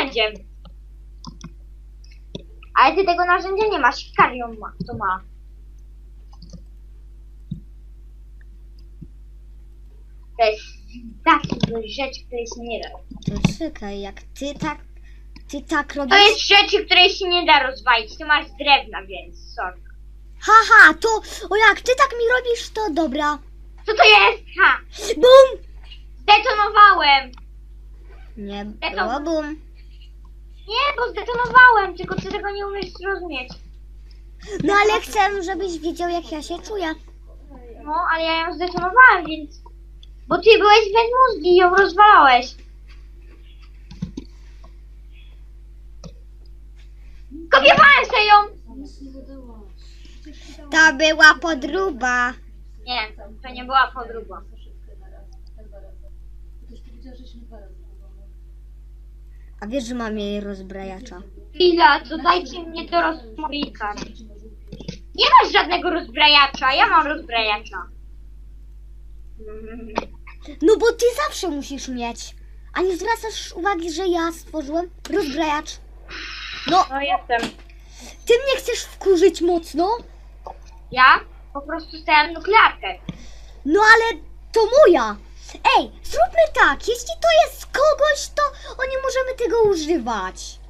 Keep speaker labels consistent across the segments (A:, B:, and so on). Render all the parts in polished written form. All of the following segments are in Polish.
A: narzędziem. Ale ty tego narzędzia nie masz, Karion ma, to ma. To jest taka rzecz, której się nie da.
B: To czekaj, jak ty tak robisz...
A: To jest rzeczy, której się nie da rozwalić. Ty masz z drewna, więc sorry.
B: Haha, to... O, jak ty tak mi robisz, to dobra.
A: Co to jest? Ha!
B: Bum!
A: Zdetonowałem!
B: Nie
A: Eto.
B: było bum.
A: Nie, bo zdetonowałem, tylko ty tego nie umiesz zrozumieć.
B: No ale chcę, żebyś wiedział, jak ja się czuję.
A: No, ale ja ją zdetonowałem, więc... Bo ty byłeś bez mózgi i ją rozwalałeś. Kopiowałem sobie ją!
B: To była podróba.
A: Nie, to nie była podróba.
B: A wiesz, że mam jej rozbrajacza.
A: Chwila, to dajcie mnie do rozbrajacza. Nie masz żadnego rozbrajacza, ja mam rozbrajacza.
B: No bo ty zawsze musisz mieć. A nie zwracasz uwagi, że ja stworzyłem rozbrajacz. No,
A: No jestem.
B: ty mnie chcesz wkurzyć mocno?
A: Ja po prostu stałem nuklearkę.
B: No ale to moja. Ej, zróbmy tak. Jeśli to jest kogoś, to nie możemy tego używać.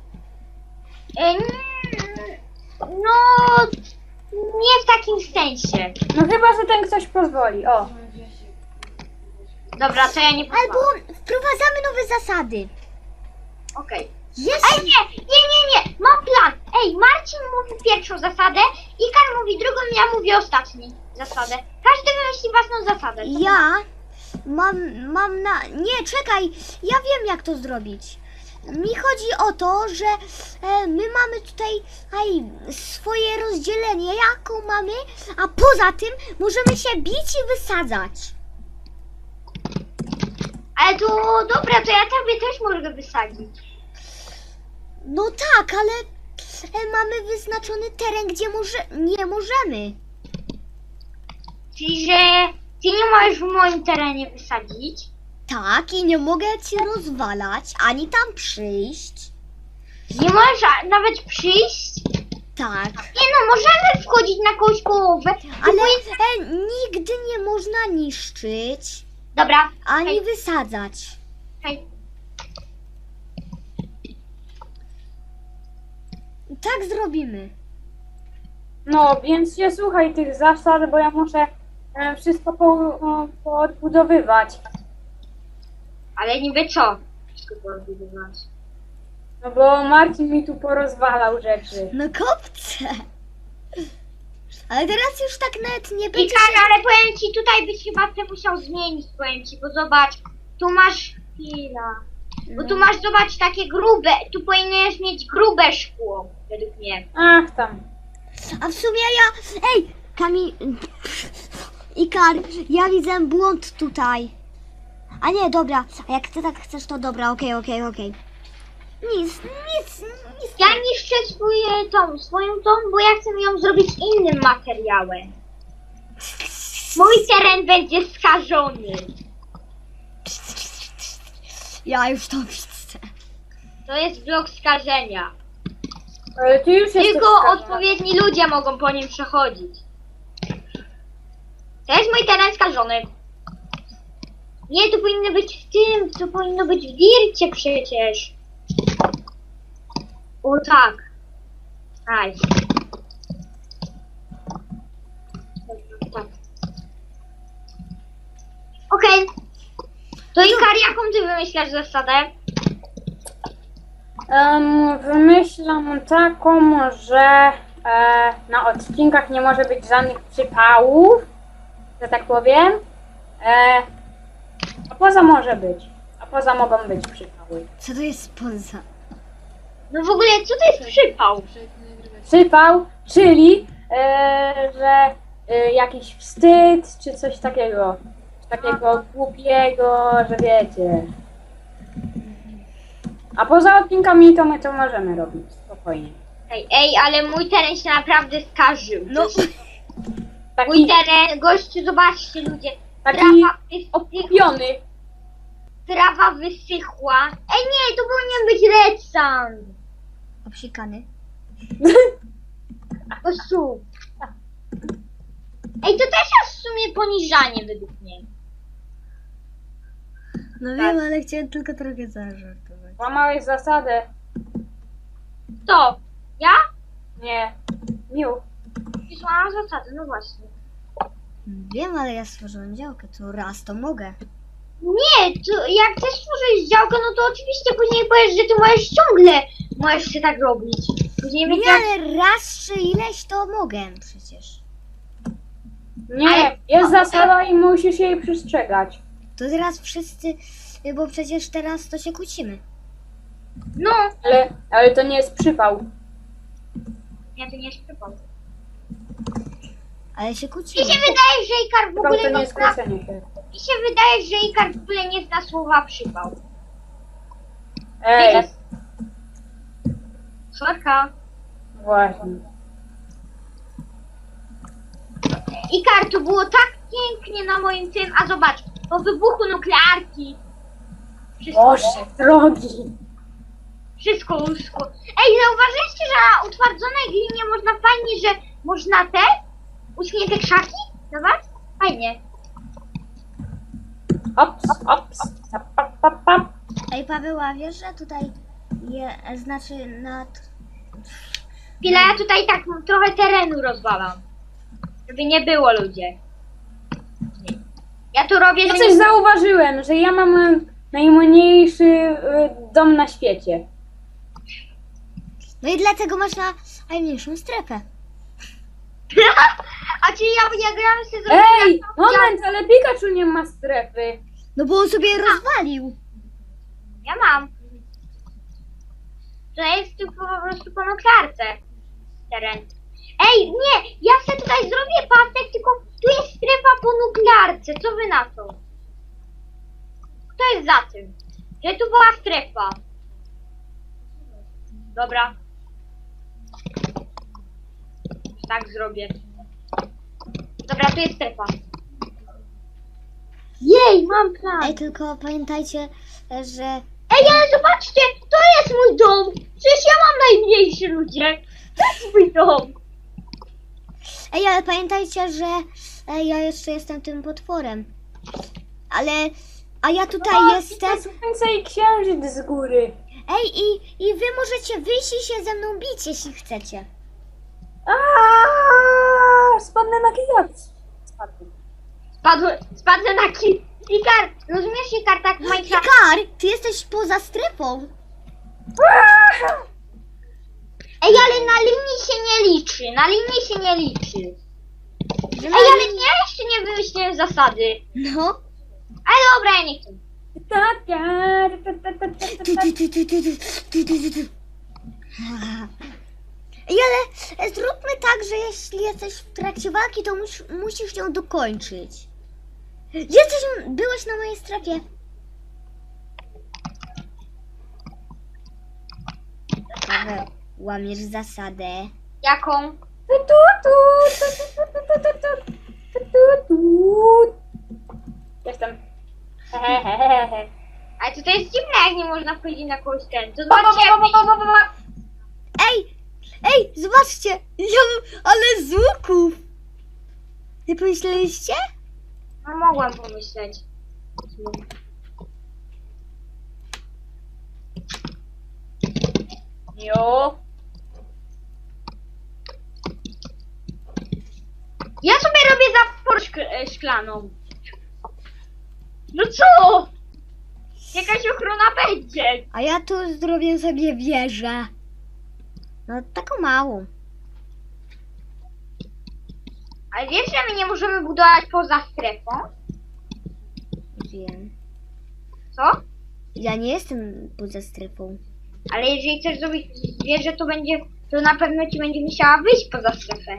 A: No, nie w takim sensie.
C: No chyba, że ten ktoś pozwoli, o.
A: Dobra, to ja nie
B: Albo
A: pozwalam.
B: wprowadzamy nowe zasady.
A: Okej.
B: Jeśli...
A: Ej, nie. Mam plan. Ej, Marcin mówi pierwszą zasadę, Ikar mówi drugą, ja mówię ostatni zasadę. Każdy wymyśli własną zasadę. Co
B: Ja mam na... Nie, czekaj. Ja wiem, jak to zrobić. Mi chodzi o to, że my mamy tutaj swoje rozdzielenie, jaką mamy, a poza tym możemy się bić i wysadzać.
A: Ale to dobra, to ja tobie też mogę wysadzić.
B: No tak, ale mamy wyznaczony teren, gdzie nie możemy.
A: Czyli, że ty nie możesz w moim terenie wysadzić.
B: Tak, i nie mogę ci rozwalać, ani tam przyjść.
A: Nie możesz nawet przyjść.
B: Tak,
A: Nie no, możemy wchodzić na kogoś połowę.
B: ale nigdy nie można niszczyć,
A: Dobra,
B: ani wysadzać.
A: hej.
B: Tak zrobimy.
C: No, więc nie słuchaj tych zasad, bo ja muszę wszystko poodbudowywać.
A: Ale niby co? Wszystko porozbudować.
C: No bo Marcin mi tu porozwalał rzeczy.
B: No kopce. Ale teraz już tak nawet nie będzie
A: Ikar,
B: się...
A: ale powiem ci, tutaj byś chyba te musiał zmienić, powiem ci, bo zobacz, tu masz... Chwila. Bo tu masz, zobacz, takie grube, tu powinieneś mieć grube szkło, według mnie.
C: Ach tam.
B: A w sumie ja... Ej, Ikar, ja widzę błąd tutaj. A nie, dobra. A jak ty tak chcesz, to dobra, okej. Nic.
A: Ja niszczę swoją tą, bo ja chcę ją zrobić innym materiałem. Mój teren będzie skażony.
B: Ja już to widzę.
A: To jest blok skażenia.
C: Ale ty już jesteś
A: Tylko
C: skażony.
A: odpowiedni ludzie mogą po nim przechodzić. To jest mój teren skażony. Nie, to powinno być w tym, to powinno być w dircie przecież. O tak. Nice. Tak. Okej. To Ikar, jaką ty wymyślasz zasadę?
C: Wymyślam taką, że na odcinkach nie może być żadnych przypałów, że tak powiem. A poza może być. A poza mogą być przypały.
B: Co to jest poza?
A: No w ogóle, co to jest przypał?
C: Przypał, czyli że jakiś wstyd, czy coś takiego. Takiego głupiego, że wiecie. A poza odcinkami to my to możemy robić spokojnie.
A: Ej, ale mój teren się naprawdę skarżył.
B: No,
A: Mój
C: Taki,
A: teren, gościu, zobaczcie ludzie.
C: taki
A: Trawa jest
C: okupiony.
A: trawa wysychła. Ej nie, to powinien być redstone.
B: Obsikany.
A: To słup. Ej, to też jest w sumie poniżanie według mnie.
B: No
A: Tak.
B: wiem, ale chciałem tylko trochę zażartować.
C: Łamałeś zasadę.
A: To, ja?
C: Nie. Miu.
A: Złamałam zasady, no właśnie.
B: Wiem, ale ja stworzyłem działkę, to raz to mogę.
A: Nie, to jak chcesz stworzyć działkę, no to oczywiście później powiesz, że ty możesz się tak robić. Później
B: Nie,
A: będzie jak...
B: ale raz czy ileś to mogę przecież.
C: Nie,
A: Ale-
C: jest zasada i musisz jej przestrzegać.
B: To teraz wszyscy, bo przecież teraz to się kłócimy.
A: No,
C: Ale to nie jest przypał.
A: ja to nie jest przypał.
B: Ale się
A: Mi
B: kłócimy.
A: się wydaje, że Ikar w
C: Przypał
A: ogóle
C: to nie
A: nie
C: jest
A: zna...
C: kłócenie się.
A: Mi się wydaje, że Ikar w ogóle nie zna słowa przypał.
C: Ej,
A: Sorka.
C: właśnie.
A: Ikar, to było tak pięknie na moim tym, a zobacz, po wybuchu nuklearki. Wszystko,
C: Boże, drogi.
A: wszystko uschło. Ej, zauważyliście, że na utwardzonej glinie można fajnie, że można uschnie te krzaki? Zobacz, fajnie.
C: Ops, ops. Pap, pap, pap, pap.
B: Ej, Paweł, a wiesz, że tutaj znaczy nad...
A: Chwilę, ja tutaj tak trochę terenu rozwalam. Żeby nie było ludzie. Nie. Ja tu robię,
C: Ja
A: że
C: coś
A: nie...
C: zauważyłem, że ja mam najmniejszy dom na świecie.
B: No i dlatego masz najmniejszą strefę.
A: A czyli ja gram sobie
C: Ej, moment, ale Pikachu nie ma strefy.
B: No bo on sobie rozwalił.
A: Ja mam. To jest tylko po prostu po nuklearce teren. Ej, nie! Ja sobie tutaj zrobię pasek, tylko tu jest strefa po nuklearce. Co wy na to? Kto jest za tym? Że tu była strefa. Dobra. Tak zrobię. Dobra, tu jest strefa. Jej, mam plan.
B: Ej, tylko pamiętajcie, że...
A: Ej, ale zobaczcie, to jest mój dom. Przecież ja mam najmniejszy, ludzie. To jest mój dom.
B: Ej, ale pamiętajcie, że ja jeszcze jestem tym potworem. Ale... A ja tutaj jestem...
C: Słońce i księżyc z góry.
B: Ej, i wy możecie wyjść i się ze mną bić, jeśli chcecie.
C: Spadnę na kijak.
A: Spadnę na Ikar, rozumiesz, Ikar, tak w Minecraft?
B: Kar, ty jesteś poza strefą.
A: Ej, ale na linii się nie liczy, na linii się nie liczy.
B: Że
A: Ej, ale ja jeszcze nie wymyśliłem zasady.
B: No.
A: Ale dobra, ja nie chcę.
B: Ej, ale zróbmy tak, że jeśli jesteś w trakcie walki, to musisz ją dokończyć. Byłeś na mojej strefie. Paweł, łamiesz zasadę.
A: Jaką?
C: Jestem.
A: Ale to jest dziwne, jak nie można wchodzić na kogoś ten. To zobaczcie, jak...
B: Ej, zobaczcie! Ale z łuków! Nie pomyśleliście?
A: No mogłam pomyśleć.
C: Jo.
A: Ja sobie robię zaporę szklaną. No co? Jakaś ochrona będzie.
B: A ja tu zrobię sobie wieżę. No taką małą.
A: Ale wiesz, że my nie możemy budować poza strefą?
B: Wiem.
A: Co?
B: Ja nie jestem poza strefą.
A: Ale jeżeli chcesz zrobić wieżę, to na pewno ci będzie musiała wyjść poza strefę.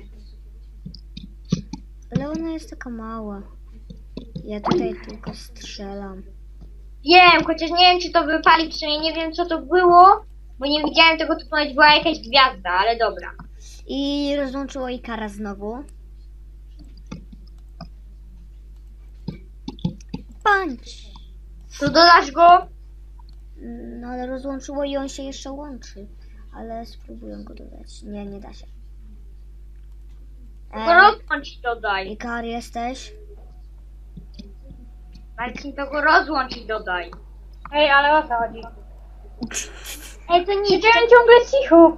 B: Ale ona jest taka mała. Ja tutaj tylko strzelam.
A: Wiem, chociaż nie wiem, czy to wypali, przynajmniej nie wiem, co to było, bo nie widziałem tego, to ponoć była jakaś gwiazda, ale dobra.
B: I rozłączyło Ikara znowu. Punch!
A: To dodasz go?
B: No ale rozłączyło i on się jeszcze łączy. Ale spróbuję go dodać. Nie, nie da się.
A: To rozłącz i dodaj.
B: Ikar jesteś?
A: Marcin, to go rozłącz i dodaj.
C: Ej, ale o co chodzi?
A: Ej, to nic.
C: Siedziałem ciągle cicho.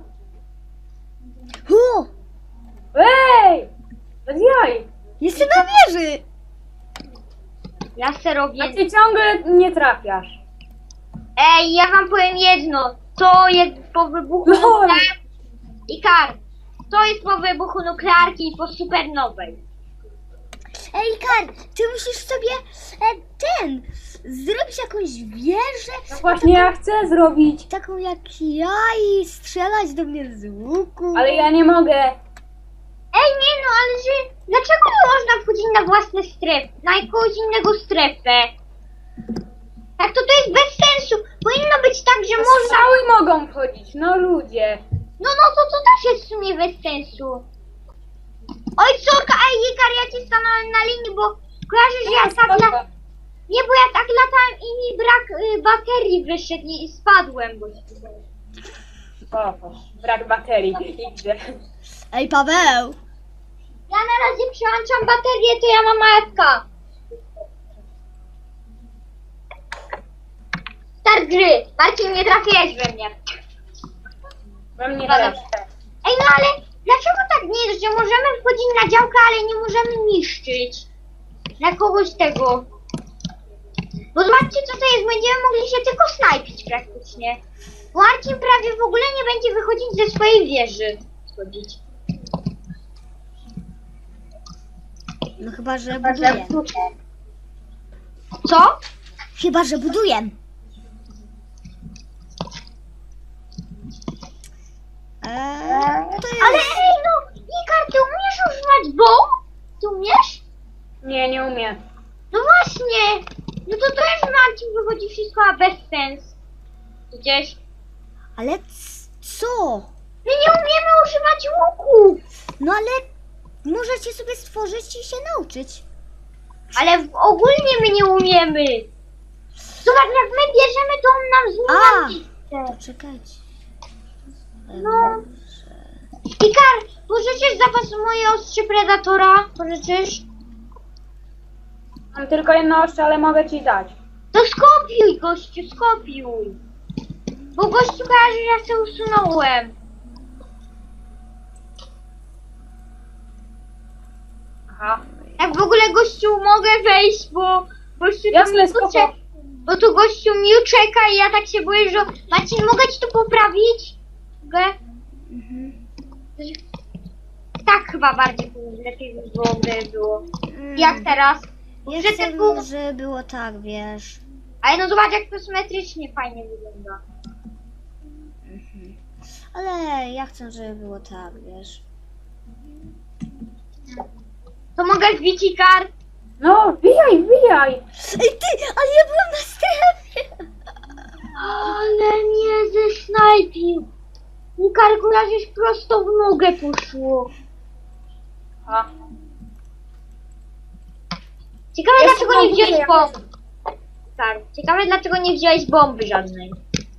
B: O!
C: Ej! Bez jaj.
B: Jestem na wieży!
A: Ja se robię.
C: A ty ciągle nie trafiasz.
A: Ej, ja wam powiem jedno. To jest po wybuchu
C: Lol.
A: nuklearki. Ikar, to jest po wybuchu nuklearki i po supernowej.
B: Ej, Ikar, ty musisz sobie zrobić jakąś wieżę,
C: No właśnie ja chcę zrobić,
B: taką jak ja i strzelać do mnie z łuku.
C: ale ja nie mogę.
A: Ej, nie no, ale że... Dlaczego nie można wchodzić na własne strefy? Na jakąś innego strefę? Tak, to jest bez sensu. Powinno być tak, że można...
C: Strzały mogą wchodzić, no ludzie.
A: No, to też jest w sumie bez sensu. Oj, córka, ej, Ikar, ja ci stanąłem na linii, bo kojarzysz, że ja tak
C: Spoko.
A: Nie, bo ja tak latałem i mi brak baterii wyszedł i spadłem.
C: O, brak baterii. Idę.
B: Ej, Paweł!
A: Ja na razie przełączam baterię, to ja mam AFK. Start gry. Marcin, nie trafiłeś we mnie.
C: We mnie
A: Dobra.
C: też.
A: Ej, no ale dlaczego tak nie jest, że możemy wchodzić na działkę, ale nie możemy niszczyć? Na kogoś tego. Bo zobaczcie, co to jest. Będziemy mogli się tylko snajpić praktycznie. Marcin prawie w ogóle nie będzie wychodzić ze swojej wieży. Schodzić.
B: No chyba, że buduję.
A: Co?
B: Chyba, że buduję. To jest...
A: Ale ej, no, Ikar, ty umiesz używać bomb? Ty umiesz?
C: Nie, nie umiem.
A: No właśnie. No to jest Marcin, wychodzi wszystko, a bez sens. Gdzieś.
B: Ale co?
A: My nie umiemy używać łuku.
B: No ale możecie sobie stworzyć i się nauczyć.
A: Ale ogólnie my nie umiemy. Zobacz, jak my bierzemy, to on nam
B: A!
A: zmienia
B: To
A: miejsce.
B: czekajcie.
A: No. Ikar, pożyczysz zapas moje ostrze Predatora? Pożyczysz?
C: Mam tylko jedno ostrze, ale mogę ci dać.
A: To skopiuj, gościu, skopiuj. Bo gościu kojarzy, że ja się usunąłem.
C: Aha.
A: Jak w ogóle, gościu, mogę wejść, bo gościu
C: Jasne,
A: tu
C: spoko.
A: czeka. Bo tu gościu Miu czeka i ja tak się boję, że... Marcin, mogę ci to poprawić? Mogę? Tak chyba bardziej lepiej by było, gdyby było. Jak teraz?
B: Ja
A: Że
B: chcę,
A: ty był...
B: żeby było tak, wiesz.
A: Ale no zobacz, jak to symetrycznie fajnie wygląda.
B: Ale ja chcę, żeby było tak, wiesz.
A: To mogę wbić Ikar?
C: No, wbijaj, wbijaj.
B: Ej ty, ale ja byłem na strefie.
A: Ale mnie zesnajpił. Ikar, kojarzysz, prosto w nogę poszło.
C: A.
A: Ciekawe,
C: Ja
A: dlaczego
C: sobie
A: nie wziąłeś
C: kupuję.
A: bomb. Ikar, ciekawe, dlaczego nie wziąłeś bomby żadnej.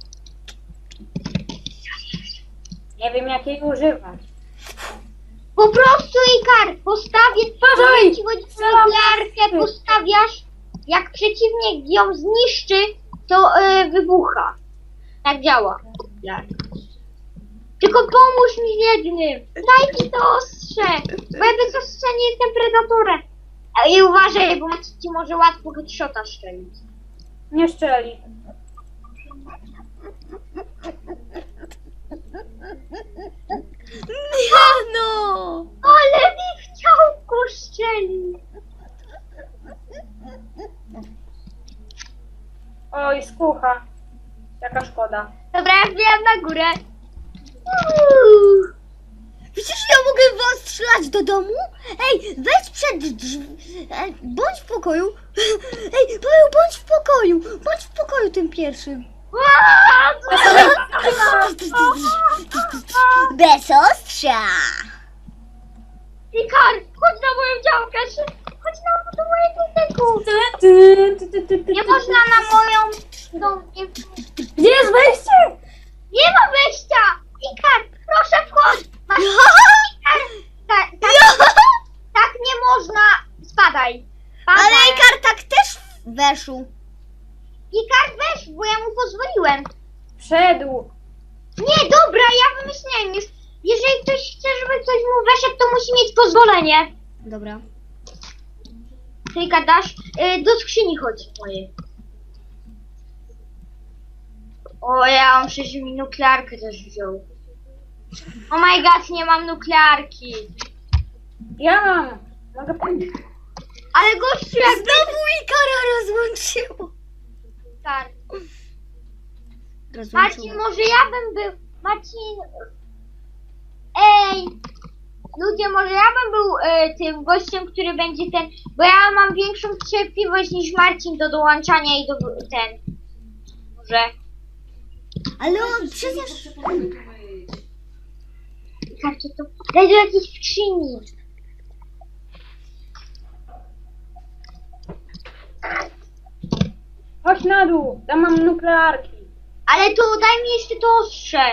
C: Nie wiem jak jej używać.
A: Po prostu, Ikar, postawię...
C: Uważaj!
A: Ci chodzi o
C: Strzelam.
A: nuklearkę, postawiasz, jak przeciwnik ją zniszczy, to wybucha. Tak działa. Tylko pomóż mi w jednym. Daj mi to ostrze. Bo ja bez ostrza nie jestem predatorem. I uważaj, bo ci może łatwo headshota strzelić.
C: Nie szczeli.
B: Nie no.
A: Ale mi chciał go strzelić.
C: Oj, skucha. Jaka szkoda.
A: Dobra, ja wbijam na górę.
B: Przecież ja mogę was strzelać do domu? Ej, wejdź przed drzwi. Bądź w pokoju. Ej, Paweł, bądź w pokoju. Bądź w pokoju tym pierwszym. Bez ostrza.
A: Ikar, chodź na moją działkę. Chodź na do mojego tego. Nie można na moją... No, nie,
C: Gdzie jest wejście?
A: nie ma wejścia! Ikar, proszę wchodź! Tak, tak nie można! Spadaj! Spadaj.
B: Ale Ikar tak też weszł.
A: Ikar, weź, bo ja mu pozwoliłem.
C: Wszedł.
A: Nie, dobra, ja wymyśliłem już. Jeżeli ktoś chce, żeby ktoś mu weszedł, to musi mieć pozwolenie.
B: Dobra.
A: Ty gadasz, do skrzyni chodź mojej. O, ja mam 6 nuklearkę też wziął. Oh my god, nie mam nuklearki.
C: Ja mam. Mogę powiedzieć.
A: Ale gościu, jak
B: Znowu Ikara rozłączyło.
A: tak.
B: Rozłączyło.
A: Marcin, może ja bym był... Marcin... Ej! Ludzie, może ja bym był tym gościem, który będzie ten... Bo ja mam większą cierpliwość niż Marcin do dołączania i do ten... Może...
B: Ale on przecież...
A: Karcie to... Daj do jakiejś skrzyni.
C: Chodź na dół. Tam mam nuklearki.
A: Ale to daj mi jeszcze to ostrze.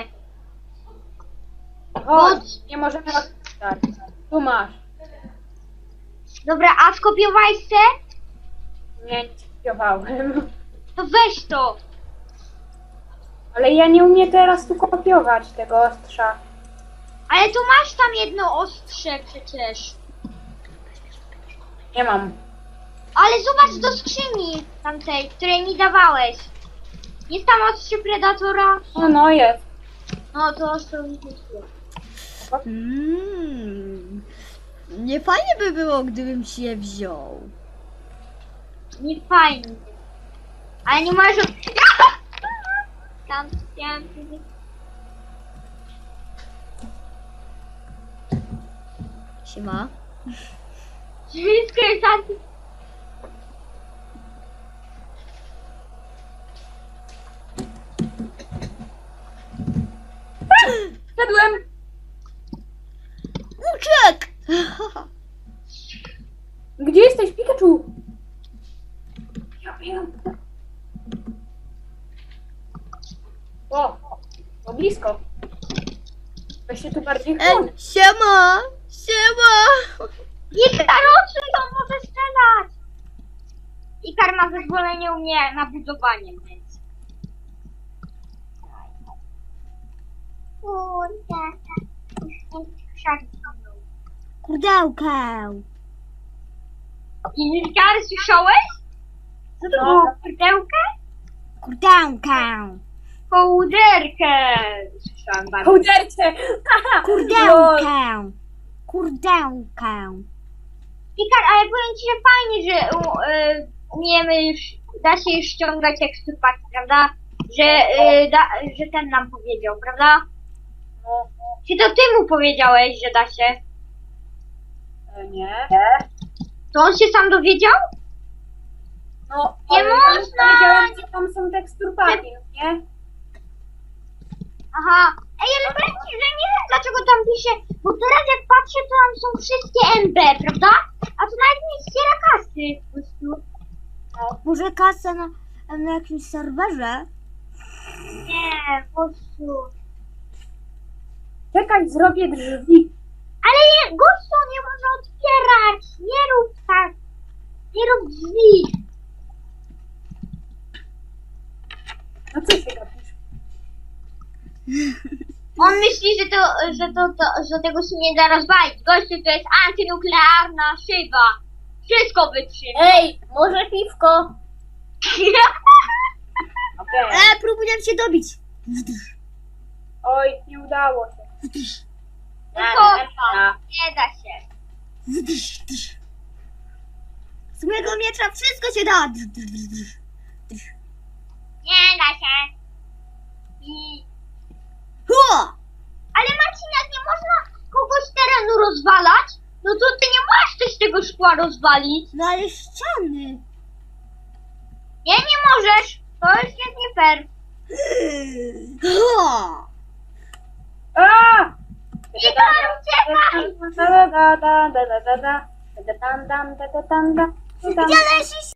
C: Chodź. Nie możemy rozstać. Tu masz.
A: Dobra, a skopiowałeś se?
C: Nie, nie skopiowałem.
A: To weź to.
C: Ale ja nie umiem teraz tu kopiować tego ostrza.
A: Ale tu masz tam jedno ostrze przecież.
C: Nie mam.
A: Ale zobacz do skrzyni tamtej, której mi dawałeś. Jest tam ostrze Predatora?
C: No jest.
A: No to ostrze mi kupiło.
B: Nie fajnie by było, gdybym ci je wziął.
A: Nie fajnie. Ale nie możesz... Tam chciałem...
B: Siema.
A: Wszystko jest anty...
C: Wszedłem.
B: Uciek!
C: Gdzie jesteś, Pikachu? Ja biegam. O, to blisko. Weź się tu bardziej chłoń.
B: Siema! Siema!
A: Ikar, odsuń to, może strzelać! Ikar ma zezwolenie u mnie na budowanie, więc... Kurde, krzaki za mną.
B: Kurdełkę!
A: Ikar, słyszałeś? Co to
C: No.
A: było? Kurdełkę?
B: Kurdełkę!
A: Kołderkę! Słyszałam bardzo.
C: Kołderce!
B: Kurdełkę! Kurdełkę!
A: Ikar, ale powiem ci, że fajnie, że umiemy już, da się już ściągać eksturpaki, prawda? Że ten nam powiedział, prawda?
C: No,
A: Czy to ty mu powiedziałeś, że da się?
C: nie.
A: To on się sam dowiedział?
C: No,
A: Nie
C: ale ja
A: można!
C: powiedziałem, że tam są teksturpaki, nie?
A: Aha. Ej, ale powiem ci, że nie wiem dlaczego tam pisze, bo teraz jak patrzę, to tam są wszystkie MB, prawda? A to nawet nie zbiera kasy po prostu.
B: Może kasę na jakimś serwerze?
A: Nie, po prostu.
C: Czekaj, zrobię drzwi.
A: Ale nie, gościu, nie można otwierać. Nie rób tak. Nie rób drzwi.
C: No co się gapisz?
A: On myśli, że tego się nie da rozwalić. Gościu, to jest antynuklearna szyba. Wszystko wytrzyma.
C: Ej, może piwko? Okej.
B: Próbuję cię dobić.
C: Oj, nie udało się.
A: Tylko nie da się.
B: Z mojego miecza wszystko się da.
A: Nie da się. I...
B: Ho!
A: Ale Marcin, jak nie można kogoś terenu rozwalać, no to ty nie możesz też tego szkła rozwalić.
B: No ale ściany.
A: Nie, nie możesz. To już jest nie fair.
B: Ho!
C: A!
A: Ikar, uciekaj!
C: Tam.
B: Gdzie lecisz?